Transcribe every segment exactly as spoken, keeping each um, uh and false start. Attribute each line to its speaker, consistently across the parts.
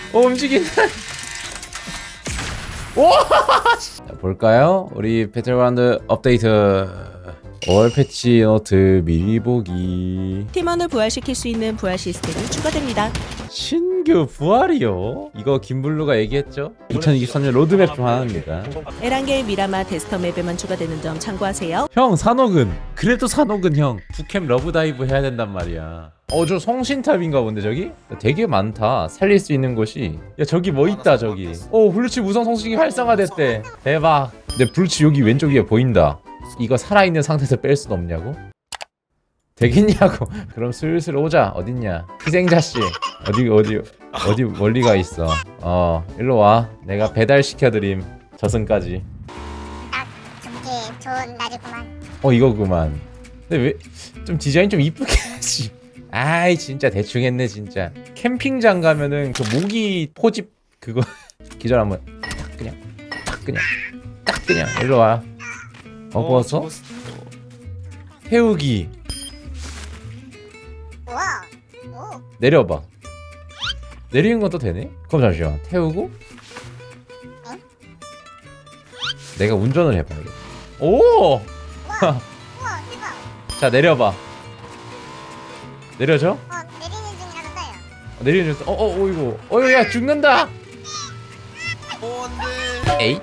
Speaker 1: 오 움직인다. 오! 자, 볼까요? 우리 배틀그라운드 업데이트 올 패치 노트 미리 보기.
Speaker 2: 팀원을 부활시킬 수 있는 부활 시스템이 추가됩니다.
Speaker 1: 신규 부활이요? 이거 김블루가 얘기했죠? 이천이십삼 년 로드맵 중 하나입니다.
Speaker 2: 에란겔 미라마 데스터 맵에만 추가되는 점 참고하세요.
Speaker 1: 형 산옥은 그래도 산옥은 형 북캠 러브다이브 해야 된단 말이야. 어 저 성신탑인가 본데 저기? 되게 많다. 살릴 수 있는 곳이. 야 저기 뭐 있다 저기. 오 블루칩 우성 성신기 활성화됐대. 대박. 근데 블루칩 여기 왼쪽 위에 보인다. 이거 살아있는 상태에서 뺄 순 없냐고? 되겠냐고. 그럼 슬슬 오자. 어딨냐 희생자씨. 어디 어디 어디 멀리가 있어. 어 일로 와. 내가 배달시켜드림. 저승까지.
Speaker 3: 딱 좋게 좋은 날이구만.
Speaker 1: 어 이거구만. 근데 왜 좀 디자인 좀 이쁘게 하지. 아이 진짜 대충 했네 진짜. 캠핑장 가면은 그 모기 포집 그거 기절 한번 딱 그냥 딱 그냥 딱 그냥 일로 와. 먹어서 태우기.
Speaker 3: 우와. 오.
Speaker 1: 내려봐. 내리는 것도 되네? 그럼 잠시만 태우고
Speaker 3: 응?
Speaker 1: 내가 운전을 해봐야겠다. 오!
Speaker 3: 우와 대박.
Speaker 1: 자 내려봐. 내려줘?
Speaker 3: 어 내리는 중이라서 떠요.
Speaker 1: 어, 내리는 중. 어어 어, 이거 어야 죽는다. 에이?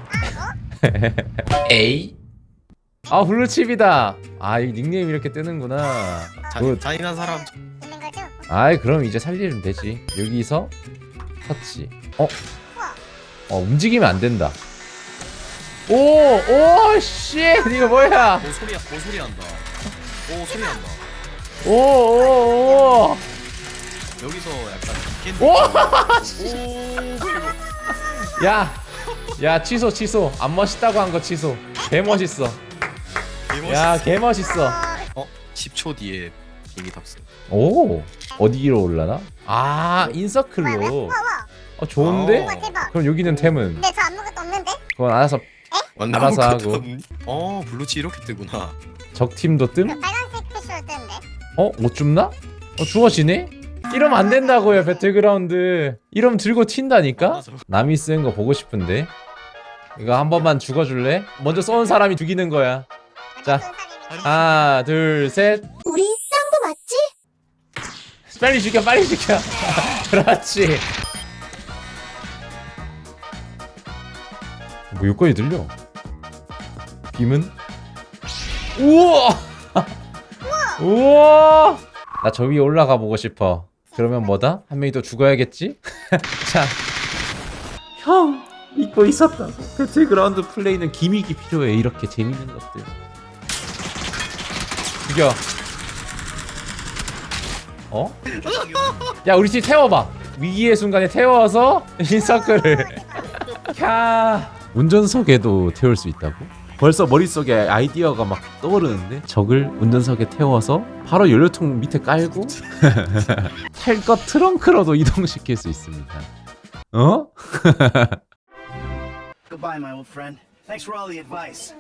Speaker 1: 에이? 아 블루칩이다. 아 이 닉네임 이렇게 뜨는구나. 굿.
Speaker 4: 잔인한 사람.
Speaker 3: 있는 거죠?
Speaker 1: 아이 그럼 이제 살리면 되지. 여기서 터치. 어? 어 움직이면 안 된다. 오! 오! 씨! 이거 뭐야?
Speaker 4: 오 소리 오 소리 난다. 오 소리 난다.
Speaker 1: 오! 오! 오!
Speaker 4: 여기서 약간 깬
Speaker 1: 오!
Speaker 4: 오.
Speaker 1: 야! 야 취소 취소. 안 멋있다고 한 거 취소. 개 멋있어. 야 개 멋있어.
Speaker 4: 어? 십 초 뒤에 비행기 탑승.
Speaker 1: 오! 어디로 올라나? 아 인서클로.
Speaker 3: 우와 우와.
Speaker 1: 어 좋은데?
Speaker 3: 우와 대박.
Speaker 1: 그럼 여기는 템은
Speaker 3: 근데 저 아무것도 없는데?
Speaker 1: 그건 알아서
Speaker 4: 완전
Speaker 1: 알아서
Speaker 4: 아무것도
Speaker 1: 하고.
Speaker 4: 없니? 어 블루치 이렇게 뜨구나.
Speaker 1: 적팀도
Speaker 3: 그
Speaker 1: 뜸?
Speaker 3: 빨간색 표시로 뜨는데?
Speaker 1: 어? 못 줍나? 어 주워지네? 이러면 안 된다고요 배틀그라운드. 이러면 들고 튄다니까? 남이 쓴 거 보고 싶은데. 이거 한 번만 죽어줄래? 먼저 쏜 사람이 죽이는 거야. 자. 하나 둘 셋.
Speaker 3: 우리 쌍도 맞지?
Speaker 1: 빨리 죽여 빨리 죽여. 그렇지. 뭐 여기까지 들려. 빔은? 우와. 우와. 나 저 위에 올라가 보고 싶어. 그러면 뭐다? 한 명이 더 죽어야겠지? 자. 형 잊고 있었다. 배틀그라운드 플레이는 기믹이 필요해. 이렇게 재밌는 것들. 죽여. 어? 야 우리 팀 태워봐. 위기의 순간에 태워서 인서클을. 캬. 운전석에도 태울 수 있다고? 벌써 머릿속에 아이디어가 막 떠오르는데? 적을 운전석에 태워서 바로 연료통 밑에 깔고 탈 것 트렁크로도 이동시킬 수 있습니다. 어?
Speaker 5: Goodbye, my old friend. Thanks for all the advice.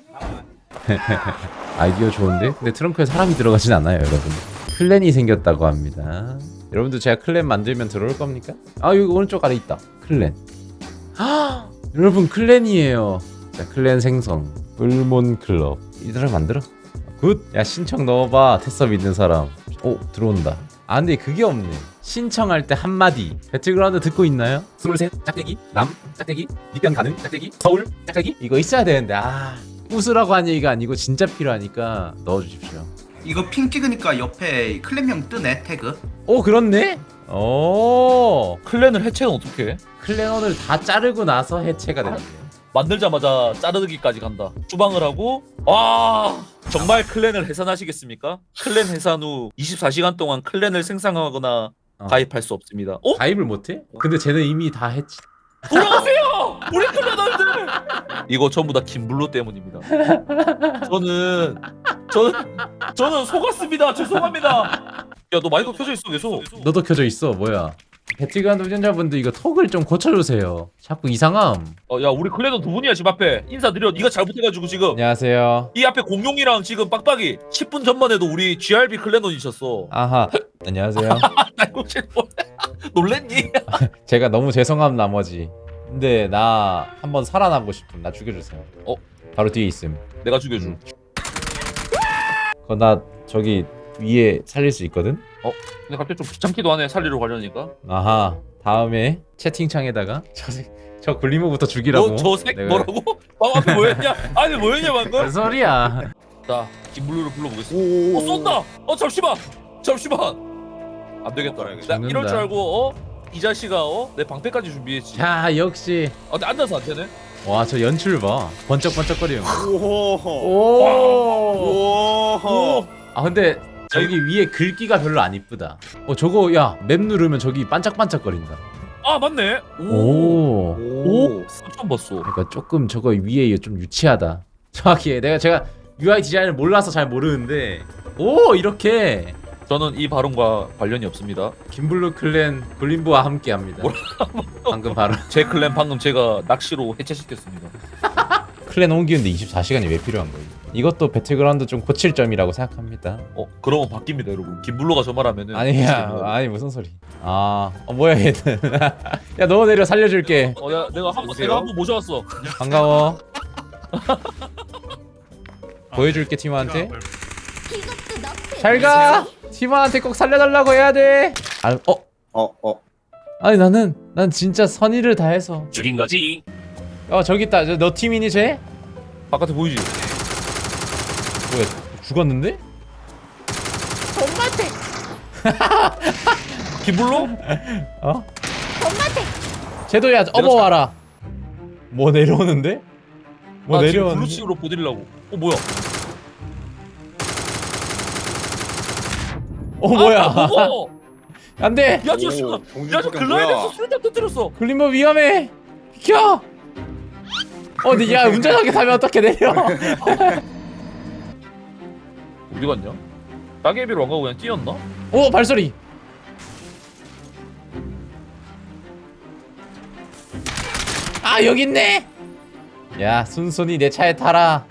Speaker 1: 아이디어 좋은데? 근데 트렁크에 사람이 들어가진 않아요 여러분. 클랜이 생겼다고 합니다. 여러분도 제가 클랜 만들면 들어올 겁니까? 아 여기 오른쪽 아래 있다. 클랜. 아 여러분 클랜이에요. 자 클랜 생성. 을몬 클럽. 이들을 만들어. 굿. 야 신청 넣어봐. 테서 믿는 사람. 오 들어온다. 아 근데 그게 없네. 신청할 때 한마디. 배틀그라운드 듣고 있나요? 스물셋 짝대기 남 짝대기 입변 가능 짝대기 서울 짝대기 이거 있어야 되는데 아 웃으라고 한 얘기가 아니고 진짜 필요하니까 넣어주십시오.
Speaker 6: 이거 핑 찍으니까 옆에 클랜명 뜨네 태그.
Speaker 1: 오 그렇네. 오
Speaker 7: 클랜을 해체는 어떻게 해?
Speaker 1: 클랜원을 다 자르고 나서 해체가 되는데요.
Speaker 7: 만들자마자 자르기까지 간다. 추방을 하고 와 정말 클랜을 해산하시겠습니까? 클랜 해산 후 이십사 시간 동안 클랜을 생성하거나
Speaker 1: 어.
Speaker 7: 가입할 수 없습니다. 어?
Speaker 1: 가입을 못해? 근데 쟤는 이미 다 했지.
Speaker 7: 돌아가세요! 우리 클랜원들! 이거 전부 다 김블루 때문입니다. 저는 저는 저는 속았습니다. 죄송합니다. 야 너 마이크 켜져 있어 계속.
Speaker 1: 너도 켜져 있어. 뭐야? 배틀그라운드 운전자분들 이거 톡을 좀 고쳐주세요. 자꾸 이상함.
Speaker 7: 어, 야 우리 클랜은 두 분이야 집 앞에. 인사드려. 네가 잘못해가지고 지금
Speaker 1: 안녕하세요.
Speaker 7: 이 앞에 공룡이랑 지금 빡빡이 십 분 전만 해도 우리 지알비 클랜원이셨어.
Speaker 1: 아하. 안녕하세요.
Speaker 7: 나 혹시 놀- 놀랬니?
Speaker 1: 제가 너무 죄송함 나머지. 근데 나 한번 살아나고 싶음. 나 죽여주세요.
Speaker 7: 어?
Speaker 1: 바로 뒤에 있음.
Speaker 7: 내가 죽여줘.
Speaker 1: 음. 그거 나 저기 위에 살릴 수 있거든?
Speaker 7: 근데 갑자기 좀 귀찮기도 하네 살리러 가려니까.
Speaker 1: 아하. 다음에 채팅창에다가 저, 새- 저 굴리모부터 죽이라고.
Speaker 7: 너저색
Speaker 1: 내가-
Speaker 7: 뭐라고? 방 앞에 뭐였냐? 아니 뭐였냐
Speaker 1: 뭔
Speaker 7: 방금?
Speaker 1: 소리야.
Speaker 7: 자 김블루를 불러보겠습니다. 어 쏜다. 어 잠시만. 잠시만. 안 되겠다. 나
Speaker 1: 죽는다.
Speaker 7: 이럴 줄 알고 어? 이 자식아 어? 내 방패까지 준비했지.
Speaker 1: 자, 역시.
Speaker 7: 어, 근데 앉아서 안 되네.
Speaker 1: 와, 저 연출 봐. 번쩍번쩍거리는 거.
Speaker 8: 오호.
Speaker 1: 오.
Speaker 8: 오호.
Speaker 1: 아, 근데 저기 위에 글귀가 별로 안 이쁘다. 어, 저거 야, 맵 누르면 저기 반짝반짝거린다.
Speaker 7: 아 맞네. 오.
Speaker 1: 오.
Speaker 8: 오.
Speaker 7: 처음 봤어.
Speaker 1: 그러니까 조금 저거 위에 좀 유치하다. 정확히 내가 제가 유아이 디자인을 몰라서 잘 모르는데 오, 이렇게
Speaker 7: 저는 이 발언과 관련이 없습니다.
Speaker 1: 김블루 클랜 굴림부와 함께합니다. 방금 바로
Speaker 7: 제 클랜 방금 제가 낚시로 해체시켰습니다.
Speaker 1: 클랜 옮기는데 이십사 시간이 왜 필요한 거예요? 이것도 배틀그라운드 좀 고칠 점이라고 생각합니다.
Speaker 7: 어 그러면 바뀝니다 여러분. 김블루가 저 말하면은
Speaker 1: 아니야, 아니 무슨 소리? 아, 어, 뭐야 얘는? 야, 너 내려 살려줄게.
Speaker 7: 어야 내가 한번
Speaker 8: 보세요.
Speaker 7: 내가 한번 모셔왔어.
Speaker 1: 반가워. 보여줄게 팀원한테.
Speaker 3: 이것도 너프.
Speaker 1: 잘 가. 팀원한테 꼭 살려달라고 해야 돼. 아, 어?
Speaker 8: 어, 어.
Speaker 1: 아니 나는 난 진짜 선의를 다해서.
Speaker 7: 죽인 거지.
Speaker 1: 어, 저기 있다. 저, 너 팀이니 쟤?
Speaker 7: 바깥에 보이지?
Speaker 1: 뭐야? 죽었는데?
Speaker 7: 김블루?
Speaker 1: 어? 쟤도 야 어버 와라. 뭐 내려오는데? 뭐
Speaker 7: 나 지금
Speaker 1: 내려오는데?
Speaker 7: 블루칩으로 보드리려고. 어 뭐야?
Speaker 1: 어 뭐야?
Speaker 7: 아, 무거워.
Speaker 1: 안돼.
Speaker 7: 야 저 씨가. 야저 글라이더에서 수류탄 터뜨렸어.
Speaker 1: 글림버 위험해. 비켜. 어, 근데 야 운전하게 타면 어떻게 내려?
Speaker 7: 어디 갔냐? 따개비로 안 가고 그냥 뛰었나?
Speaker 1: 오, 발소리. 아, 여기 있네. 야, 순순히 내 차에 타라.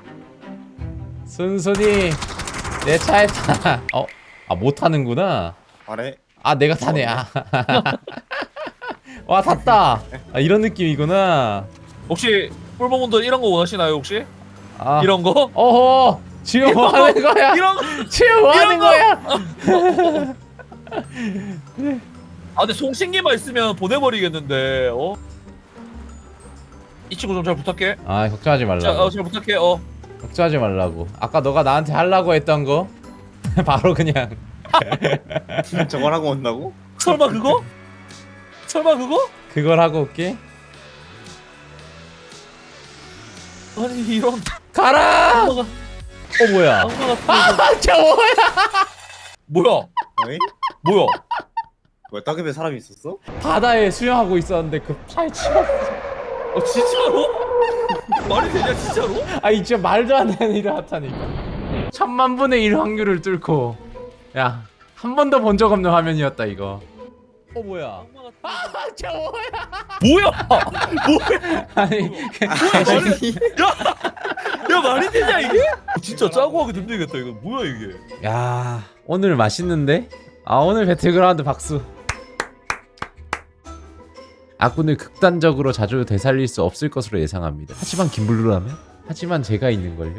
Speaker 1: 순순히 내 차에 타. 어, 아, 못 타는구나.
Speaker 8: 아래.
Speaker 1: 아, 내가 타네. 아. 와, 탔다. 아, 이런 느낌이구나.
Speaker 7: 혹시 뿔봉분들 이런 거 원하시나요 혹시?
Speaker 1: 아,
Speaker 7: 이런 거?
Speaker 1: 어허. 지금 뭐 하는 거야?
Speaker 7: 이런
Speaker 1: 지금 뭐 하는
Speaker 7: 이런 거!
Speaker 1: 거야?
Speaker 7: 아 근데 송신기만 있으면 보내버리겠는데 어? 이 친구 좀 잘 부탁해.
Speaker 1: 아, 걱정하지
Speaker 7: 자,
Speaker 1: 말라고.
Speaker 7: 어, 잘 부탁해. 어.
Speaker 1: 걱정하지 말라고. 아까 너가 나한테 하려고 했던 거 바로 그냥.
Speaker 8: 저걸 하고 온다고?
Speaker 7: 설마 그거? 설마 그거?
Speaker 1: 그걸 하고 올게.
Speaker 7: 아니 이런
Speaker 1: 가라.
Speaker 7: 악마가
Speaker 1: 어, 뭐야?
Speaker 7: 악마가
Speaker 1: 아, 저 뭐야?
Speaker 7: 뭐야?
Speaker 8: 어이?
Speaker 7: 뭐야?
Speaker 8: 뭐야, 따급에 사람이 있었어?
Speaker 1: 바다에 수영하고 있었는데 그 차에 치웠어.
Speaker 7: 어 진짜로? 말이 되냐 진짜로?
Speaker 1: 아니 진짜 말도 안 되는 일을 하다니까. 천만 분의 일 확률을 뚫고. 야, 한 번도 본 적 없는 화면이었다 이거. 어, 뭐야? 아, 저 뭐야?
Speaker 7: 뭐야?
Speaker 1: 아니,
Speaker 7: 야 말이 되냐 이게? 진짜 짜고 하기 힘들겠다 이거. 뭐야 이게?
Speaker 1: 야, 오늘 맛있는데? 아, 오늘 배틀그라운드 박수. 아군을 극단적으로 자주 되살릴 수 없을 것으로 예상합니다. 하지만 김블루라면? 하지만 제가 있는걸요?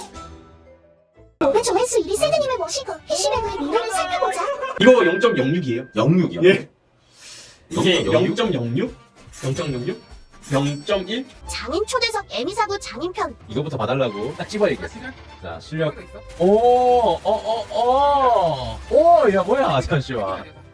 Speaker 3: 오늘 조회수 일 위 세드님을 모시고 피시백의 미래를 살펴보자.
Speaker 9: 이거 영 점 영육이에요? 영육이요?
Speaker 8: 예.
Speaker 9: 이게 영 점 영육? 영 점 영육? 영 점 일?
Speaker 3: 장인 초대석 에미사부 장인편.
Speaker 1: 이거부터 봐달라고 딱 집어야겠어. 자, 실력. 오, 어, 어, 어, 오, 야 뭐야, 잠시만.